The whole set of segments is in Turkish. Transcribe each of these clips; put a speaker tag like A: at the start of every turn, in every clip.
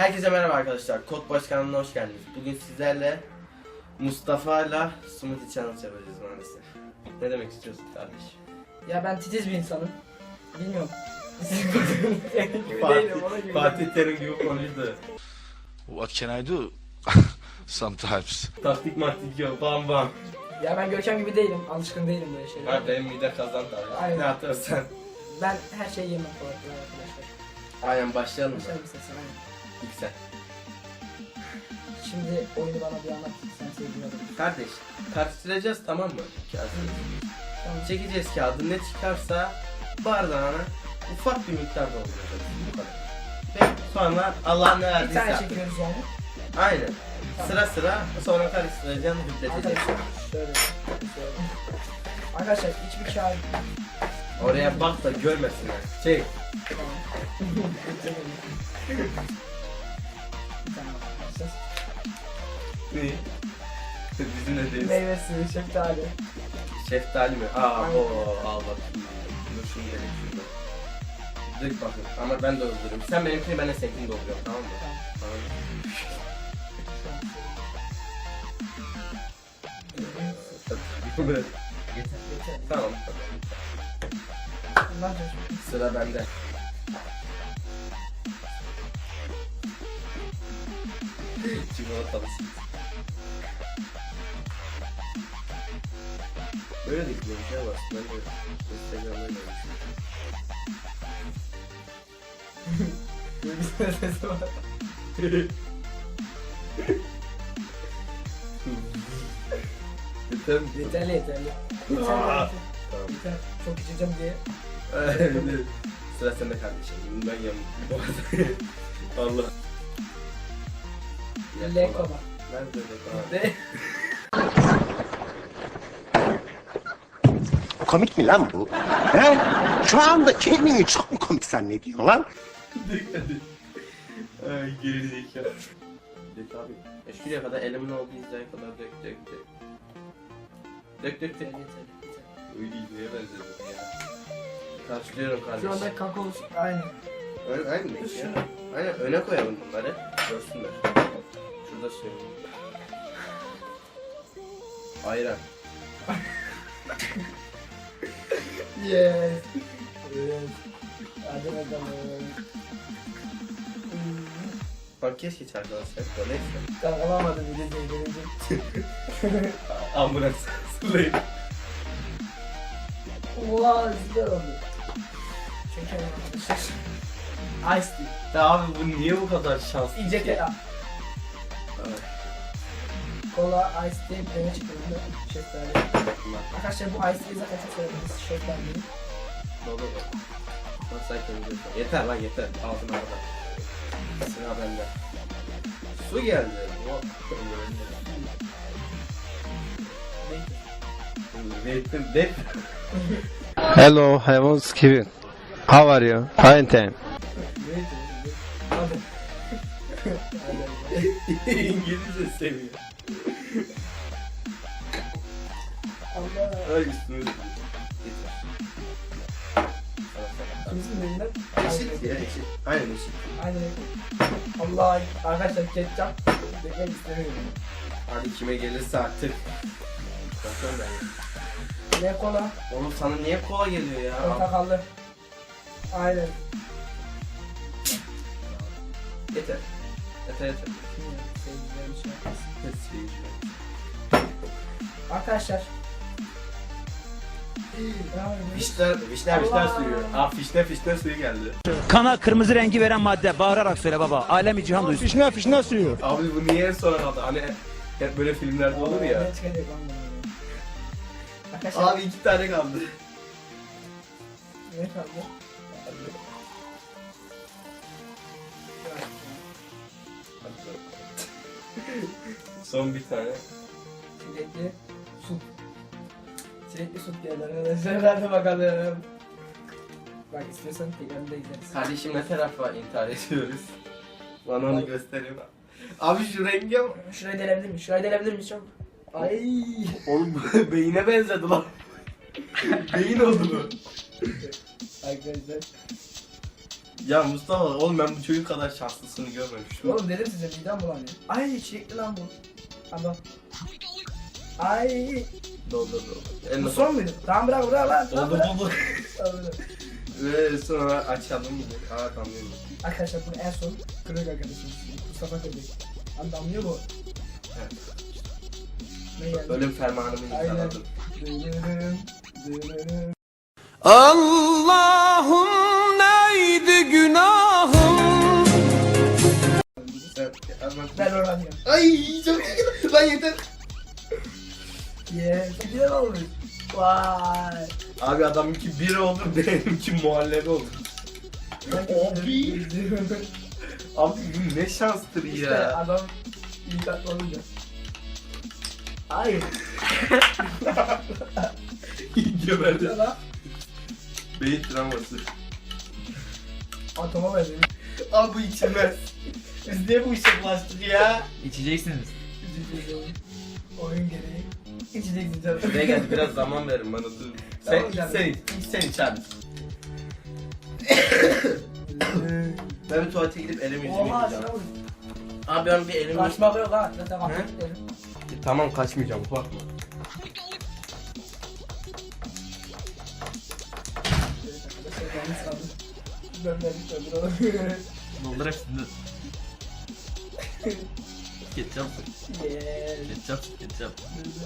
A: Herkese merhaba arkadaşlar. Kod Başkanlığı'na hoş geldiniz. Bugün sizlerle Mustafa'yla Smoothie Challenge yapacağız maalesef. Ne demek istiyorsun kardeş?
B: Ya ben titiz bir insanım. Bilmiyorum.
A: Fatih Terim gibi konuştu.
C: What can I do? Sometimes.
A: Taktik maktik yok. Bam bam.
B: Ya ben Görkem gibi değilim. Alışkın değilim böyle şeylere.
A: Ha benim mide kazan tabii.
B: Aynen.
A: Ne atarsan.
B: Ben her şeyi yemem kolay kolay arkadaşlar.
A: Aynen başlayalım mı?
B: Başlayalım istersen aynen.
A: İlk sen.
B: Şimdi oyunu bana bir anlat. Sen sevdiğin adamı.
A: Kardeş karıştıracağız tamam mı? Kağıdı.
B: Tamam.
A: Çekeceğiz kağıdı. Ne çıkarsa bardağına ufak bir miktar dolduracağız. Bu kadar. Ve sonra Allah ne
B: Bir
A: verdiyse
B: tane
A: artık.
B: çekiyoruz yani.
A: Aynen.
B: Tamam.
A: Sıra sıra sonra karıştıracaksın, hüpleteceksin.
B: Arkadaşlar şöyle. Arkadaşlar hiçbir kağıt.
A: Oraya bak da görmesinler. Çek.
B: Tamam. Tamam. Arkadaşlar.
A: Ne? Bizim de değil.
B: Meyve suyu, şeftali.
A: Şeftali mi? O al bak. Dur şunu gerek şunu. Dök bakın ama ben doldururum. Sen benimkini ben de seninkini dolduruyorum tamam mı? Tamam. Yeter.
B: Yeter.
A: Tamam.
B: Bundan sonra.
A: Sıra bende. Çikolatalı süt. Böyle de güzel bir şey var. Ben de Instagram'da görmüşüm.
B: Bir sesi var.
A: Yeter mi?
B: Yeterli yeterli. Yeterli.
A: Tamam.
B: Yeter. Çok içeceğim diye.
A: Sıra sende kardeşim. Ben yamuk. Allah.
B: Lekoma.
A: Nerede Lekoma?
B: De.
D: Komik mi lan bu? He? Şu anda kendini çok mu komik zannediyorsun lan?
A: Ay gerizekalı. Dök abi. Şuraya kadar elimin olduğu hizaya kadar dök. Dök.
B: Yeter.
A: Öyle neye benziyor ya? Karşılıyorum kardeşim.
B: Şu anda kakao aynı.
A: Aynı mı? Aynen öne koyalım bunları. Görsünler. Şurada söyleyeyim. Ayran.
B: Yes. Yes. Hadi bakalım.
A: Bak keşke arkadaşlar. Neyse.
B: Tamam alamadım gelecek.
A: Ambulans. Sırlayın.
B: Oha güzel oldu. Çekelim arkadaşlar. Ice tea.
A: Ya abi bu niye bu kadar şanslı?
B: İyice kera.
A: Evet.
B: Kola ice tea bir çıkıyor. Şeftali. Arkadaşlar bu ice tea'yi zaten çok sevdiğimiz şeftali.
A: Baba. Nasıl kendinize? Yeter lan yeter. Ağzım arada. Sıra bende. Su geldi. Wait.
E: Hello, I was Kevin. How are you? Fine, thanks.
B: Hadi.
A: İngilizce seviyor.
B: Allah.
A: Ay üstüne.
B: Kimsin elinden?
A: Eşit ya eşit. Aynen eşit.
B: Aynen. Allah arkadaşlar ketçap demek istemiyorum.
A: Hadi kime gelirse artık. Bakıyorum ben.
B: Ne kola?
A: Oğlum sana niye kola geliyor ya?
B: Portakallı. Aynen.
A: Yeter. Yeter.
B: Bilmiyorum, sevgilerim şey yapmasın.
A: Yeter.
B: Arkadaşlar.
A: Fişler suyu. Aa fişne suyu geldi.
F: Kana kırmızı rengi veren madde. Bağırarak söyle baba. Alemi cihan duysun.
E: Fişne suyu.
A: Abi bu niye en sona kaldı? Hani hep böyle filmlerde olur ya.
B: Ne çıkacak anlamadım. Arkadaşlar.
A: Abi 2 tane kaldı.
B: Ne kaldı?
A: Son bir tane.
B: Çilekli süt. Çilekli süt geldi arkadaşlar. Hadi bakalım. Bak istiyorsan tekrarını da izleriz.
A: Kardeşim ne tarafa intihar ediyoruz? Bana onu göstereyim. Abi şu renge bak.
B: Şurayı delebilir miyiz? Şurayı delebilir miyiz çok? Ay.
A: Oğlum beyine benzedi lan. Beyin oldu bu.
B: Arkadaşlar.
A: Ya Mustafa oğlum ben bu çocuk kadar şanslısını görmemiştim.
B: Oğlum dedim size midem bulanıyor. Ay çilekli lan bu. Adam. Ay.
A: Doldu.
B: Bu son muydu? Tamam bırak lan. Tamam,
A: Oldu
B: bırak.
A: bu.
B: Tamam, bırak.
A: Ve sonra açalım mı? Aa tamam.
B: Arkadaşlar bunu en son kırık arkadaşımız Mustafa kırdık. Lan damlıyor bu.
A: Evet.
B: Ne geldi?
A: Ölüm fermanımı
B: Aynen.
A: imzaladım.
B: Dırırım.
E: Allah'ım neydi günahım?
B: Ben öğreniyorum.
A: Ay çok iyi. Lan yeter.
B: Yeah, çok güzel olmuş. Vay.
A: Abi adamınki bir oldu, benimki muhallebi oldu. Abi. Abi bu ne şanstır
B: İşte
A: ya.
B: adam iyi tatlı olunca. Hayır.
A: Geberdi.
B: Ne lan?
A: Beyin travması.
B: Atoma benziyor.
A: Abi bu içilmez. Biz niye bu işe bulaştık ya?
F: İçeceksiniz.
B: Oyun gereği. İçeceksin canım.
A: Şuraya gel biraz zaman verin bana dur. Sen
B: Tamam
A: iç
B: canım.
A: sen iç abi. Ben bir tuvalete gidip elimi yüzümü
B: Oha
A: yıkayacağım.
B: şuna vur.
A: Abi ben bir elimi
B: Kaçmak yok ha. Zaten
A: He?
B: kapattık dedim.
A: Tamam kaçmayacağım korkma.
F: Doldur hepsini. Ketçap. Ketçap.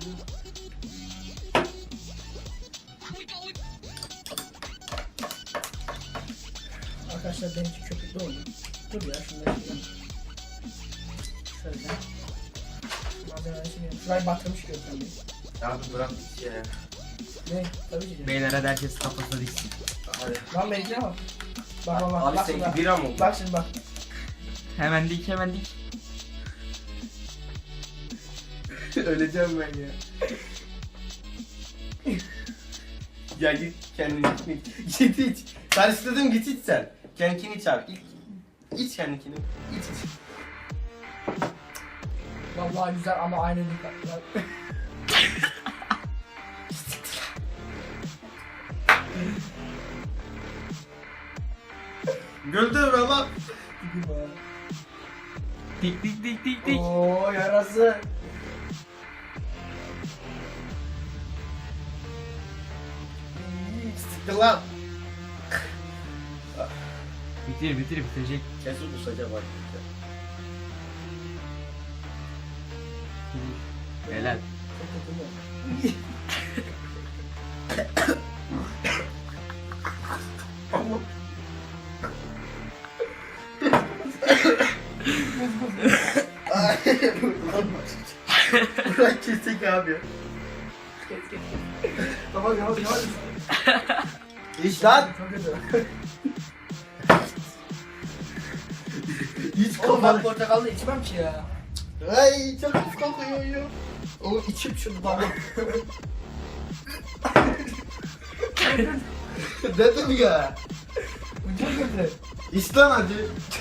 B: Arkadaşlar benimki köpüklü oldu. Dur ya şunları yapayım. Şöyle. Malzemeleri şimdi. Şurayı batırmış Gökhan Bey.
A: Abi bırak git ya.
B: Ne? Tabii ki de.
F: Beyler hadi herkes kafasına diksin.
A: Hadi.
B: Lan benimkine bak. Bak.
A: Abi
B: Bak
A: seninki
B: şimdi.
A: bira mı oldu?
B: Bak şimdi bak.
F: Hemen dik.
A: Öleceğim ben ya. Ya git kendini iç. Git iç. Karıştırdım git iç sen. Kendini iç abi. İç kendini. İç.
B: Vallahi güzel ama aynı dikkat.
A: Güldür ama.
F: Dik.
B: Ooo yarası.
A: Sıktı lan.
F: Bitirecek.
A: Kesin kusacak bak.
F: Helal.
B: Çok kötü mü?
A: Bırak kestik abi.
B: Tamam yavaş.
A: İç lan.
B: Çok kötü.
A: İç
B: Oğlum ben
A: kafanı.
B: portakallı içmem ki ya.
A: Ay çok pis kokuyor ya. Oğlum içim şunu baba. Dedim ya.
B: Bu çok kötü.
A: İç lan hadi.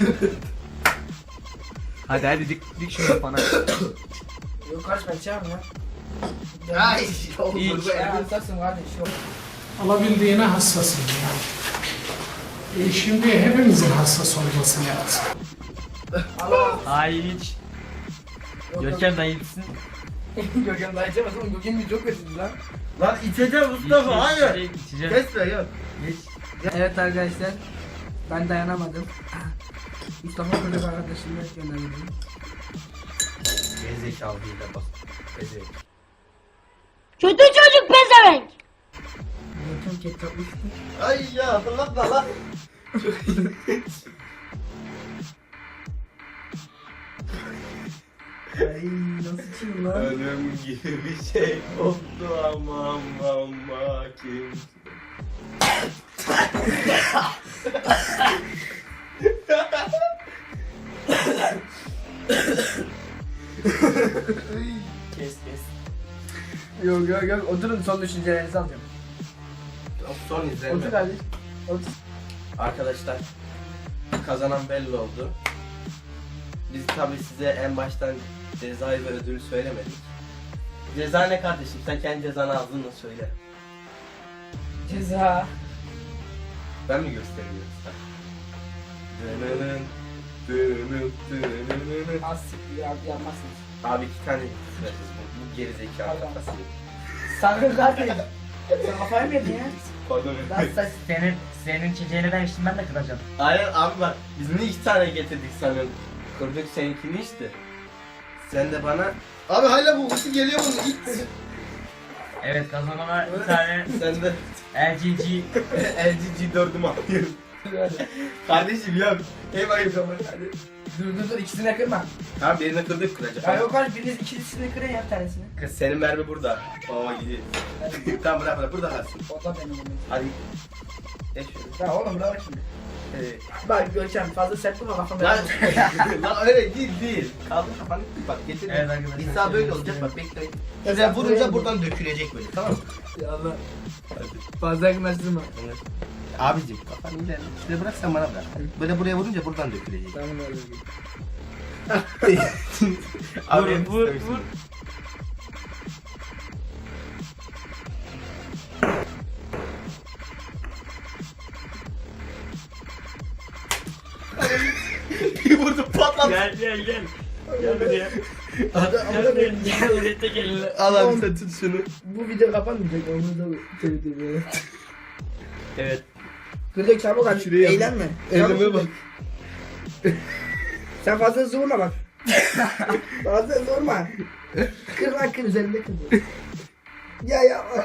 F: Hadi dik şunu kafana.
B: Yok kaç ben içemem ya.
A: Ay olur
F: İç.
A: bu
B: Ya
A: evin.
B: hastasın kardeş yok.
G: Alabildiğine hassasım ya. Şimdi hepimizin hassas olması lazım.
B: Allah.
F: Hayır iç. Görkem dayı içsin.
B: Gökhan daha içemez oğlum. Gökhan bir çok kötüydü lan.
A: Lan içeceğim Mustafa hayır.
F: İçeceğim.
A: Kesme yok.
B: Evet arkadaşlar. Ben dayanamadım. Mustafa Kılıç arkadaşımla gönderdim.
A: Gerizekalı değil de bak. Gerizekalı.
H: Kötü çocuk pezevenk.
B: Gökhan ketçap uçtu.
A: Ay ya hatırlatma lan. Çok iyi.
B: Ay nasıl içeyim lan?
A: Ölüm gibi bir şey oldu ama kim. Kes.
B: Yok. Oturun son düşüncelerinizi alacağım.
A: Son izlenme.
B: Otur kardeş. Otur.
A: Arkadaşlar kazanan belli oldu. Biz tabi size en baştan cezayı ve ödülü söylemedik. Ceza ne kardeşim? Sen kendi cezanı ağzınla söyle.
B: Ceza.
A: Ben mi göstereyim yoksa? Dönönün, dönönün, dönönün.
B: Asik ya yanmazsınız.
A: Abi 2 tane süresiz bu. Bu gerizekalı
B: Pardon.
A: kafası.
B: Sakın zaten. Sen kafayı mı yedin ya?
A: Pardon.
B: Nasıl saç?
I: Senin çiçeğini ben içtim, ben de kıracağım.
A: Aynen abi bak biz niye 2 tane getirdik sanın? Kırdık seninkini işte. Sen de bana... Abi hala bu ısı geliyor bunun it.
I: Evet, kazanana bir tane
A: Sen de
I: LGG.
A: LG G4'ümü alıyorsun. Kardeşim yok. Hep ayıp ama hadi.
B: Dur ikisini kırma.
A: Tamam birini kırdık kıracak.
B: Ya yok abi biriniz ikisini kırın ya bir tanesini.
A: Kız senin mermi burada. Baba gidiyor. Tamam bırak burada kalsın.
B: O da benim onun.
A: Hadi. Geç şöyle.
B: Ya oğlum bırak şimdi. Bak Görkem fazla sert vurma kafamda.
A: Lan, lan öyle değil. Kaldır kafanı. Bak getir.
I: Evet arkadaşlar.
A: İsa böyle olacak bak bekleyin. Güzel vurunca buradan dökülecek böyle tamam mı?
B: Ya Allah. Fazla yakınlaştırma.
A: Evet. Abicim kafanı ilerle. Şuraya bırak sen bana bırak. Böyle buraya vurunca buradan dökülecek.
B: Tamam öyle.
A: Abi
I: Vur, vur.
A: Bir vurdu patladı.
I: Gel. Gel buraya. Gel buraya, tek elinle.
A: Al abi sen tut şunu.
B: Bu video kapanmayacak onu da söyleyeyim.
A: Evet.
B: Kırdık çabuk aç.
A: Şuraya
B: Eğlenme.
A: Elime bak.
B: Sen fazla hızlı vurma bak. Fazla hızlı vurma. Kır lan kır üzerinde kır. Ya yapma.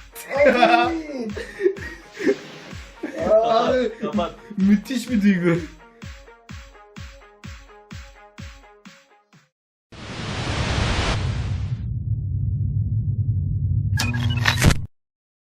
A: Abi müthiş bir duygu.